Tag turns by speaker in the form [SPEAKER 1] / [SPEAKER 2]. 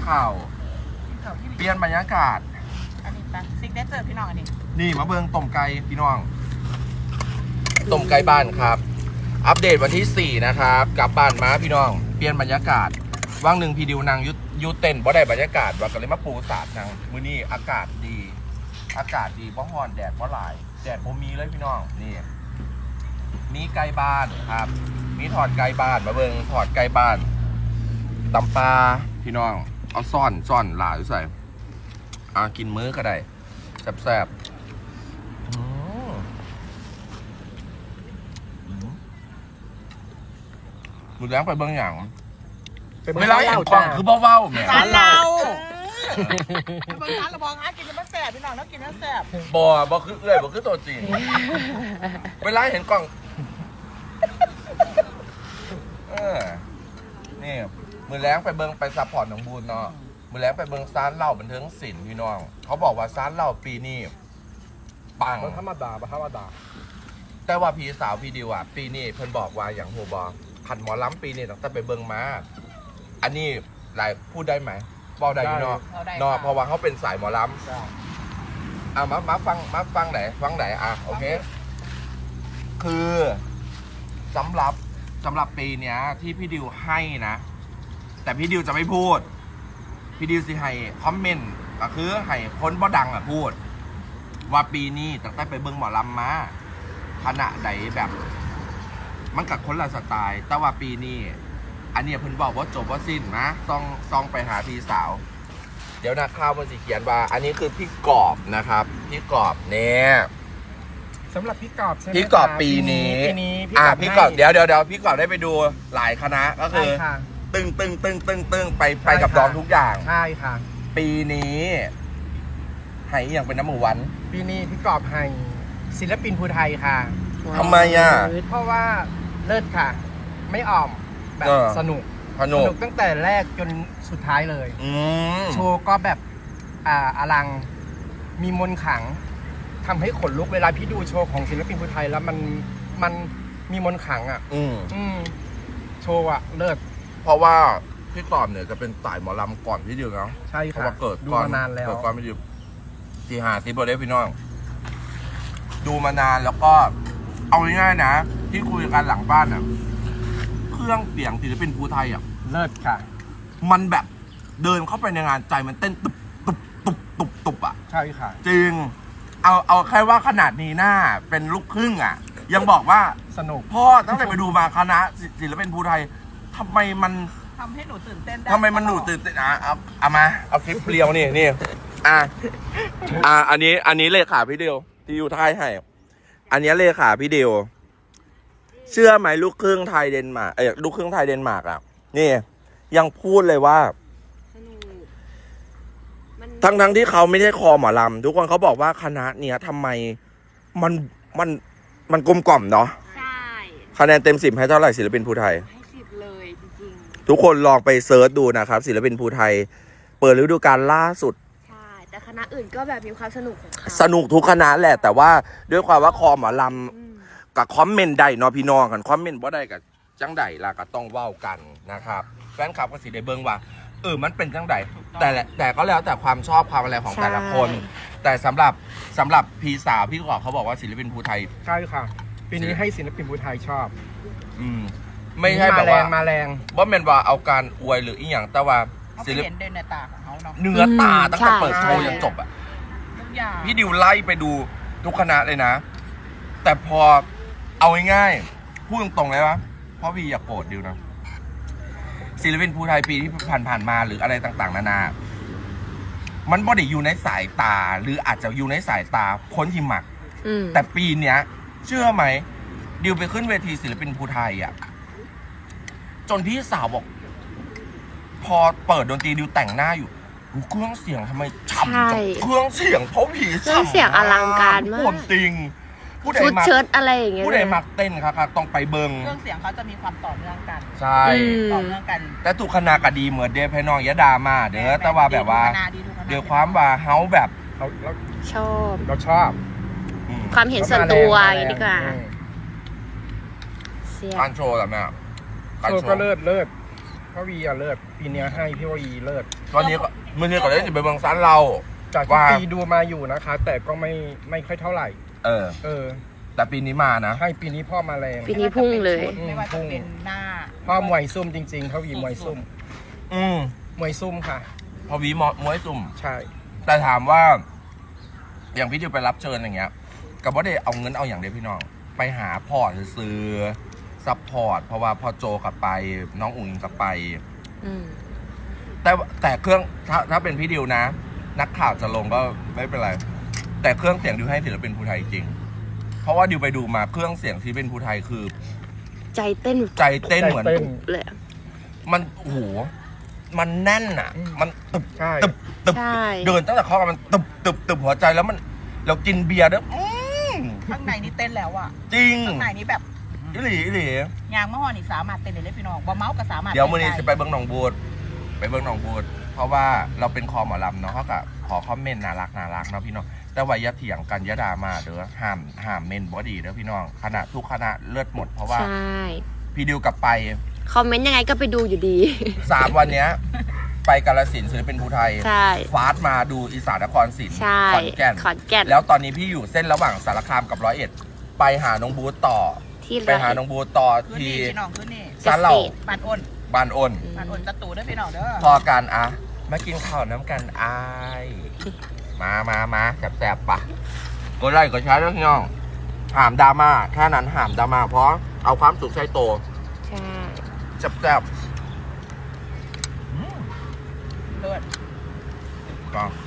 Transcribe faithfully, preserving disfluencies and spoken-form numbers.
[SPEAKER 1] ข่าว
[SPEAKER 2] กินข้าวที่
[SPEAKER 1] เปลี่ยนบรรยากาศ
[SPEAKER 2] อันนี้ปะซิกเนเจอร์พี่น้องอันนี้
[SPEAKER 1] นี่มาเบิ่งต้มไก่พี่น้องต้มไก่บ้านครับ อัปเดตวันที่สี่นะครับกลับบ้านมาพี่น้องเปลี่ยนบรรยากาศว่างหนึ่งพี่ดิวนางยุยุเต้นบ่ได้บรรยากาศว่าก็เลยมาปูสาดนางมื้อนี้อากาศดี อากาศดีบ่ฮ้อนแดดบ่หลายแดดบ่มีเลยพี่น้องนี่มีไก่บ้านครับมีถอดไก่บ้านมาเบิ่งถอดไก่บ้านตำปลาพี่น้องเอาซ่อนซ่อนหลายใส่อ่ากินมื้อก็ได้แซ่บๆอืมดูแล้วไปเบิ่งอย่างไม่ไรเห็นกล่องคือเบาๆแหม
[SPEAKER 2] ร้านเราบางร้านเราบอกหากินมันแสบพี่น้องแล้วกินมันแสบ
[SPEAKER 1] บ่บ่คือเอื้อยบ่คือตัวจริงเวลาเห็นกล่องเออนี่มือแรงไปเบิ่งไปซัพพอร์ตหนองบูนเนาะมือแรงไปเบิ่งซานเหล้าบันเทิงศิลป์พี่น้องเขาบอกว่าซานเหล้าปีนี้ปัง
[SPEAKER 3] ธรรมดาปะธรรมดา
[SPEAKER 1] แต่ว่าพี่สาวพี่ดิวอ่ะปีนี้เพิ่นบอกว่าอย่างโหบอขันหมอล้ำปีนี้ตั้งแต่ไปเบิ่งมาอันนี้หลายพูดได้ไหมบอกได้อยู่เนาะเนาะเพราะว่าเขาเป็นสายหมอล้ำอ่ะมามาฟังมาฟังไหนฟังไหนอ่ะโอเคคือสำหรับสำหรับปีเนี้ยที่พี่ดิวให้นะแต่พี่ดิวจะไม่พูดพี่ดิวสิให้คอมเมนต์ก็คือให้คนบ่ดังอ่ะพูดว่าปีนี้ตั้งแต่ไปเบิ่งหมอลำมาขณะใดแบบมันกับคนละสไตล์แต่ว่าปีนี้อันนี้เพิ่นบอกว่าจบว่าสิ้นนะซองซองไปหาพี่สาวเดี๋ยวนะข้าวมันสิเขียนว่าอันนี้คือพี่กอบนะครับพี่กอบเนี่ย
[SPEAKER 3] สำหรับพี่กอบใช่ไหม
[SPEAKER 1] พี่กอบปีนี้
[SPEAKER 3] ปีนี้
[SPEAKER 1] อ่าพี่กอบเดี๋ยวเดี๋ยวเดี๋ยวพี่กอบได้ไปดูหลายคณะก็คือ
[SPEAKER 3] ใช่ค่ะ
[SPEAKER 1] ตึงตึงตึงตึงตึงไปไปกับน้องทุกอย่าง
[SPEAKER 3] ใช่ค่ะ
[SPEAKER 1] ปีนี้ให้อย่างเป็นน้ำหมูหวัน
[SPEAKER 3] ปีนี้พี่กอบให้ศิลปินภูไทยค่ะ
[SPEAKER 1] ทำไมอ่ะ
[SPEAKER 3] เพราะว่าเลิศค่ะ ไม่อ่อมแบบ
[SPEAKER 1] เออ
[SPEAKER 3] สนุก
[SPEAKER 1] พนุก
[SPEAKER 3] ตั้งแต่แรกจนสุดท้ายเลย
[SPEAKER 1] อืม
[SPEAKER 3] โชว์ก็แบบอ่าอลังมีมนต์ขลังทำให้ขนลุกเวลาพี่ดูโชว์ของศิลปินภูไทยแล้วมันมันมีมนต์ขลังอ่ะ
[SPEAKER 1] อืม
[SPEAKER 3] อืมโชว์อ่ะเลิศ
[SPEAKER 1] เพราะว่าพี่กอบเนี่ยจะเป็นสายหมอลำก่อนพี่ดิวเนาะ
[SPEAKER 3] ใช่
[SPEAKER 1] เพราะ
[SPEAKER 3] ค่ะ
[SPEAKER 1] ว่าเกิด
[SPEAKER 3] ดู
[SPEAKER 1] ก่อน
[SPEAKER 3] มานานแล้ว
[SPEAKER 1] เกิดก่อนพี่ดิวที่หาที่บริเวณพี่น้องดูมานานแล้วก็เอาง่ายๆนะที่คุยกันหลังบ้านอ่ะเครื่องเสียงศิลปินภูไทยอ่ะ
[SPEAKER 3] เลิศค่ะ
[SPEAKER 1] มันแบบเดินเข้าไปในงานใจมันเต้นตุบตุบตุบตุบตุบอ่ะ
[SPEAKER 3] ใช่ค่ะ
[SPEAKER 1] จริง เอาเอาแค่ว่าขนาดนี้หน้าเป็นลูกครึ่งอ่ะ ยังบอกว่า
[SPEAKER 3] สนุก
[SPEAKER 1] พ่อตั้งแต่ไปดูมาคณะศิลปินภูไทยทำไมมัน
[SPEAKER 2] ทำให้หนูตื่นเต้นได้
[SPEAKER 1] ทำไมมันหนูตื่นเต้นอ่ะเอาเอามาเอาคลิปเรียวนี่นี่อ่ะอ่ะอันนี้อันนี้เลขาพี่เดียวที่อยู่ไทยให้อันนี้เลขาพี่เดียวเชื่อไหมลูกครึ่งไทยเดนมาร์กเอ้ยลูกครึ่งไทยเดนมาร์กอ่ะนี่ยังพูดเลยว่า
[SPEAKER 4] สนุกมัน
[SPEAKER 1] ทั้งทั้งที่เขาไม่ใช่คอหมอลำทุกคนเขาบอกว่าคณะเนี้ยทำไมมันมันมันกลมกล่อมเนาะ
[SPEAKER 4] ใช่
[SPEAKER 1] คะแนนเต็มสิบให้เท่าไหร่ศิลปินภูไทย
[SPEAKER 4] ให้สิบเลยจริง
[SPEAKER 1] ทุกคนลองไปเซิร์ชดูนะครับศิลปินภูไทย เปิดฤดูกาลล่าสุด
[SPEAKER 4] ๆ ใช่ แต่คณะอื่นก็แบบมีความสนุกของเขา
[SPEAKER 1] สนุกทุกคณะแหละ แต่ว่าด้วยความว่าคอหมอล
[SPEAKER 4] อืม
[SPEAKER 1] ำกับคอมเมนต์ได้เนาะพี่น้องกันคอมเมนต์บ่ได้กับจังใดล่ะก็ต้องเว้ากันนะครับแฟนคลับก็สิได้เบิ่งว่าเออมันเป็นจังใดแต่ละแต่ก็แล้วแต่ความชอบความอะไรของแต่ละคน แต่สำหรับสำหรับพี่สาวพี่กอบเขาบอกว่าศิลปินภูไทย
[SPEAKER 3] ใช่ค่ะ ปีนี้ให้ศิลปินภูไทยชอบ
[SPEAKER 1] อืมไม่ใช่แบบ
[SPEAKER 3] มาแร
[SPEAKER 1] ว่าง
[SPEAKER 3] มาแรง
[SPEAKER 1] ว่าเป็นว่าเอาการอวยหรืออีหยังแต่ว่า
[SPEAKER 2] เขาไป
[SPEAKER 1] ศิลป
[SPEAKER 2] เห็นเดินในตาของเขาเนาะ
[SPEAKER 1] เนื้อตาตั้งแต่เปิดโชว์จนจบอ่ะ
[SPEAKER 2] ทุกอย่าง
[SPEAKER 1] พี่ดิวไล่ไปดูทุกคณะเลยนะ แต่พอเอาง่ายๆพูดตรงๆเลยว่าเพราะพี่อยากโกรธดิวนะศิลปินภูไทยปีที่ผ่านๆมาหรืออะไรต่างๆนานามันบ่ได้อยู่ในสายตาหรืออาจจะอยู่ในสายตาคนที่หมัก
[SPEAKER 4] อืม
[SPEAKER 1] แต่ปีเนี้ย เชื่อไหมดิวไปขึ้นเวทีศิลปินภูไทยอ่ะจนพี่สาวบอก พอเปิดดนตรีดิวแต่งหน้าอยู่ดูเครื่องเสียงทำไมฉ่ำจังเครื่องเสียงเพราะผี
[SPEAKER 4] เครื่องเสียงอลังการมาก
[SPEAKER 1] คนจริงผู้ใด
[SPEAKER 4] ชุด
[SPEAKER 1] มัก
[SPEAKER 4] เชิ้ตอะไรอย่างเงี้ย
[SPEAKER 1] ผู้ใดมักเต้นครับครับต้องไปเบิง
[SPEAKER 2] เครื่องเสียงเขาจะมีความต่อเนื่องกัน
[SPEAKER 1] ใช่
[SPEAKER 4] อืม
[SPEAKER 2] ต่อเนื่องกัน
[SPEAKER 1] แต่ทุกคณะก็ดีเหมือนเดฟให้น้องยะดามาเด้อแต่ว่าแบบว่า
[SPEAKER 2] ดีทุกคณะ
[SPEAKER 1] เดี๋ยวความว่าเฮาแบบ
[SPEAKER 3] เราเรา
[SPEAKER 4] ชอบ
[SPEAKER 3] เราชอบ
[SPEAKER 1] อืม
[SPEAKER 4] ความเห็นส่วนตัวอย่างนี้ดีกว่า
[SPEAKER 3] อืม
[SPEAKER 4] เสีย
[SPEAKER 1] การโชว์แบบเนี้ยการ
[SPEAKER 3] โชว์
[SPEAKER 1] โช
[SPEAKER 3] ก็
[SPEAKER 1] ว์
[SPEAKER 3] เลิศเลิศพ่อวีอะเลิศปีเนี้ยให้พี่วีเลิศ
[SPEAKER 1] ตอนนี้ก็มื่อนี้ก็ได้สิไปเมืองซันเรา
[SPEAKER 3] จากที่
[SPEAKER 1] ว่า
[SPEAKER 3] ปีดูมาอยู่นะคะ แต่ก็ไม่ไม่ค่อยเท่าไหร่
[SPEAKER 1] เออ
[SPEAKER 3] เออ
[SPEAKER 1] แต่ปีนี้มานะ
[SPEAKER 3] ให้ปีนี้พ่อมาแรง
[SPEAKER 4] ปีนี้พุ่งเลย
[SPEAKER 2] ไม่ว่าจะเป็นหน้า
[SPEAKER 3] พ่อมวยซุ่มจริงๆพ่อวีมวยซุ่ม
[SPEAKER 1] อืม
[SPEAKER 3] มวยซุ่มค่ะ
[SPEAKER 1] พอวีมอมวยตุ่ม
[SPEAKER 3] ใช่
[SPEAKER 1] แต่ถามว่า อย่างพี่ดิวไปรับเชิญอย่างเงี้ยกับว่าได้เอาเงินเอาอย่างเดียวพี่น้อง ไปหาพอร์ตซื้อซัพพอร์ตเพราะว่าพอโจกลับไป น้องอุ๋งอิงกลับไป
[SPEAKER 4] อืม
[SPEAKER 1] แต่แต่เครื่องถ้าถ้าเป็นพี่ดิวนะ นักข่าวจะลงก็ไม่เป็นไร แต่เครื่องเสียงดิวให้ศิลปินภูไทยจริง เพราะว่าดิวไปดูมาเครื่องเสียงที่เป็นภูไทยคือ
[SPEAKER 4] ใจเต้น
[SPEAKER 1] ใจเต้นเหมือน
[SPEAKER 3] ใจเต้น
[SPEAKER 4] เลยอะ
[SPEAKER 1] มันโอ้โหมันแน่นอ่ะ
[SPEAKER 3] อืม
[SPEAKER 1] มันตึบ
[SPEAKER 3] ใช่
[SPEAKER 1] ตึบตึบ
[SPEAKER 4] ใช่
[SPEAKER 1] เดินตั้งแต่เข้ามามันตึบตึบตึบหัวใจแล้วมันเรากินเบียร์ด้วยอืม
[SPEAKER 2] ข้างในนี่เต้นแล้วอ่ะ
[SPEAKER 1] จริง
[SPEAKER 2] ข้างในนี่แบบ
[SPEAKER 1] อิหลีอิหลี
[SPEAKER 2] ยางมะฮอนี่สามารถเต้นได้เลยพี่น้องบ่เมาส์ก็สามารถ
[SPEAKER 1] เดี๋ยวมื้อนี้
[SPEAKER 2] ต้
[SPEAKER 1] จะ
[SPEAKER 2] น
[SPEAKER 1] ไปเบิ้งหนองบูดไปเบิ้งหนองบูดเพราะว่าเราเป็นคอหมอลำเนาะเขาก็ขอคอมเมนต์น่ารักน่ารักเนาะพี่น้องแต่ว่าอย่าเถียงกันอย่าด่ามาเด้อห้ามห้ามเมนบอดีเด้อพี่น้องคณะทุกคณะเลือดหมดเพราะว่า
[SPEAKER 4] ใช่
[SPEAKER 1] พี่ดิวกลับไป
[SPEAKER 4] คอมเมนต์ยังไงก็ไปดูอยู่ดี
[SPEAKER 1] สามวันเนี้ย ไปกาฬสินธุ์ศิลปินภูไทย
[SPEAKER 4] ใช่
[SPEAKER 1] ฟาสมาดูอีสานนครศรี
[SPEAKER 4] ใช่
[SPEAKER 1] ขอนแก่น
[SPEAKER 4] ขอนแก่น
[SPEAKER 1] แล้วตอนนี้พี่อยู่เส้นระหว่างสารคามกับร้อยเอ็ด ไปหาน้องบูธต่อ
[SPEAKER 4] ที่
[SPEAKER 1] ไปหาน้องบูธต่อ
[SPEAKER 2] คืน
[SPEAKER 1] ที่
[SPEAKER 2] นี่พี่น้องคืนนี่
[SPEAKER 1] ซานเหล่า
[SPEAKER 2] บานอ้น
[SPEAKER 1] บ้านอ้น
[SPEAKER 2] บานอ้นตะตูเด้อพี่น้องเด้อ
[SPEAKER 1] พอกันอะมากินข้าวน้ำกันอาย มามามาแสบๆปะกดไลค์กดแชร์ด้วยพี่น้องหามดราม่าแค่นั้นหามดราม่าเพราะเอาความสุขใช้โต
[SPEAKER 4] ใช่
[SPEAKER 1] แซ่บ
[SPEAKER 2] เลิศ
[SPEAKER 1] ๆก็